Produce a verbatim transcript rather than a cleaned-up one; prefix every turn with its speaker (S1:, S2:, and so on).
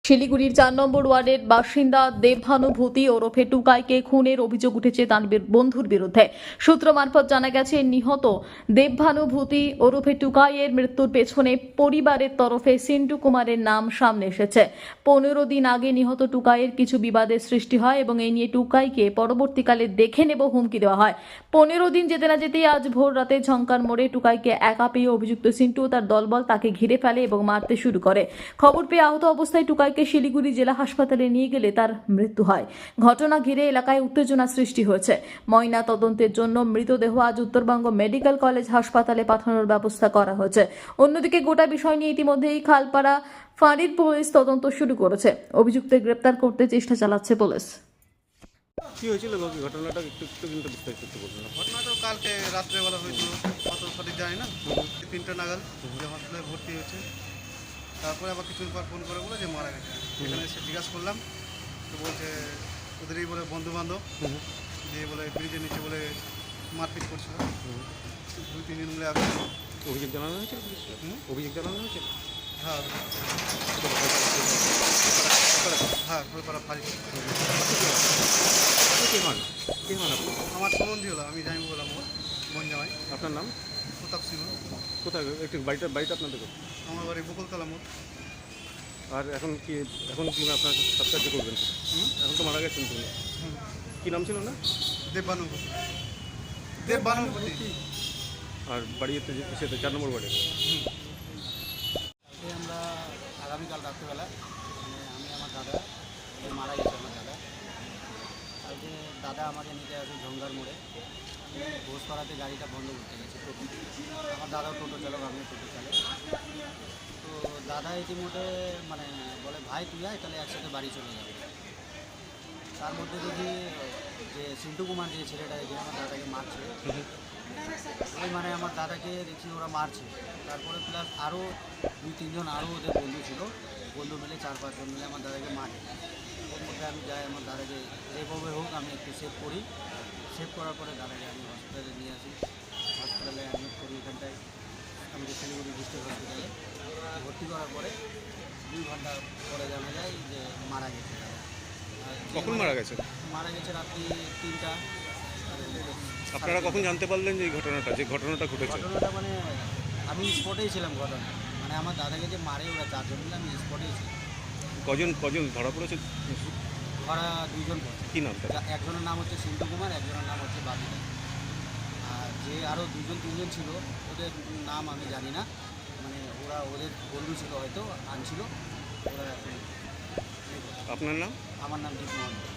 S1: শিলিগুড়ির চার নম্বর ওয়ার্ডের বাসিন্দা দেবভানুভূতি ওরফে টুকাইকে খুনের অভিযোগ উঠেছে তার বন্ধুর বিরুদ্ধে। সূত্র মারফত জানা গেছে, নিহত দেবভানুভূতি ওরফে টুকাইয়ের মৃত্যুর পেছনে পরিবারের তরফে সিন্টু কুমারের নাম সামনে এসেছে। পনেরো দিন আগে নিহত টুকাইয়ের কিছু বিবাদের সৃষ্টি হয় এবং এই নিয়ে টুকাইকে পরবর্তীকালে দেখে নেব হুমকি দেওয়া হয়। পনেরো দিন যেতে না যেতেই আজ ভোর রাতে ঝঙ্কার মোড়ে টুকাইকে একা পেয়ে অভিযুক্ত সিন্টু ও তার দলবল তাকে ঘিরে ফেলে এবং মারতে শুরু করে। খবর পেয়ে আহত অবস্থায় টুকাই শিলিগুড়ি জেলা হাসপাতালে নিয়ে গেলে তার মৃত্যু হয়। ঘটনা ঘিরে এলাকায় উত্তেজনা সৃষ্টি হয়েছে। ময়না তদন্তের জন্য মৃতদেহ আজ উত্তরবঙ্গ মেডিকেল কলেজ হাসপাতালে পাঠানোর ব্যবস্থা করা হয়েছে। অন্যদিকে গোটা বিষয় নিয়ে ইতিমধ্যেই খালপাড়া ফাঁড়ির পুলিশ তদন্ত শুরু করেছে। অভিযুক্তদের গ্রেপ্তার করতে চেষ্টা চালাচ্ছে পুলিশ।
S2: কি হয়েছিল ঘটনাটা একটু একটু কিন্তু বিস্তারিত একটু বলুন।
S3: ঘটনাটা কালকে রাত্রেবেলা হয়েছিল, অত সঠিক জানি না, তিনটা নাগাদ যে হসপিটালে ভর্তি হয়েছে। তারপরে আবার কিছুদিন পর ফোন করে বলে যে মারা গেছে। এখানে এসে জিজ্ঞাসা করলাম, তো বলছে ওদেরই বলে বন্ধু বান্ধব দিয়ে বলে ব্রিজের নিচে বলে মারপিট করছিল। দুই তিন দিন বলে আগে
S2: অভিযোগ জানানো হয়েছিল, অভিযোগ জানানো হয়েছিল।
S3: হ্যাঁ হ্যাঁ খোলপাড়া ফাঁড়ি।
S2: কে হন কে হন আপনি?
S3: আমার সম্বন্ধী হলো, আমি জানি বললাম বোন জামাই।
S2: আপনার নাম?
S3: প্রতাপ সিংহ।
S2: কোথায় একটু বাড়িটা বাড়িটা আপনাদের?
S3: আমার বাড়ি বকুলতলা মোড়।
S2: আর এখন কি এখন কি আপনার সাবস্ক্রাইব করবেন? এখন তো মারা গেছেন তুমি। কি নাম ছিল না?
S3: দেবভানুভূতি। দেবভানুভূতি।
S2: আর বাড়িতে সেটা চার নম্বর বাড়ি।
S4: আমরা আগামীকাল রাত্রিবেলা মানে আমি আমার দাদা মারা গেছে, আমার দাদা কালকে দাদা আমাকে নিতে আসে ঝঙ্গার মোড়ে। ঘোষপাড়াতে গাড়িটা বন্ধ করতে গেছে টোটো। আমার দাদাও টোটো চালক, আমিও টোটো চালক। তো দাদা ইতিমধ্যে মানে বলে ভাই তুই আয়, তাহলে একসাথে বাড়ি চলে যাবে। তার মধ্যে দেখি যে সিন্টু কুমার যে ছেলেটা যে আমার দাদাকে মারছে, ওই মানে আমার দাদাকে দেখি ওরা মারছে। তারপরে প্লাস আরও দুই তিনজন আরও ওদের বন্ধু ছিল, বন্ধু মিলে চার পাঁচজন মিলে আমার দাদাকে মারে। ওর মধ্যে আমি যাই, আমার দাদাকে যেভাবে হোক আমি একটু সেভ করি। সেভ করার পরে দাদাকে আমি হসপিটালে নিয়ে আসি। হসপিটালে অ্যাডমিট করি, এখানটায় আমাদের শিলিগুড়ি ডিস্ট্রিক্ট হসপিটালে ভর্তি করার পরে দুই ঘন্টা পরে জানা যায় যে মারা গেছে।
S2: কখন মারা গেছে?
S4: মারা গেছে রাত্রি তিনটা।
S2: আপনারা কখন জানতে পারলেন যে এই ঘটনাটা যে ঘটনাটা ঘটেছে?
S4: ঘটনাটা মানে আমি স্পটেই ছিলাম। ঘটনা মানে আমার দাদাকে যে মারে ওরা চারজন মিলে, আমি স্পটেই ছিলাম।
S2: কজন কজন ধরা পড়েছে?
S4: ওরা দুইজন পড়ছে।
S2: কি নাম তার?
S4: একজনের নাম হচ্ছে সিন্টু কুমার, একজনের নাম হচ্ছে বাবিদা। আর যে আরও দুজন তিনজন ছিল ওদের নাম আমি জানি না, মানে ওরা ওদের বন্ধু ছিল, হয়তো আনছিল ওরা।
S2: আপনার নাম?
S4: আমার নাম দীপ মোহন।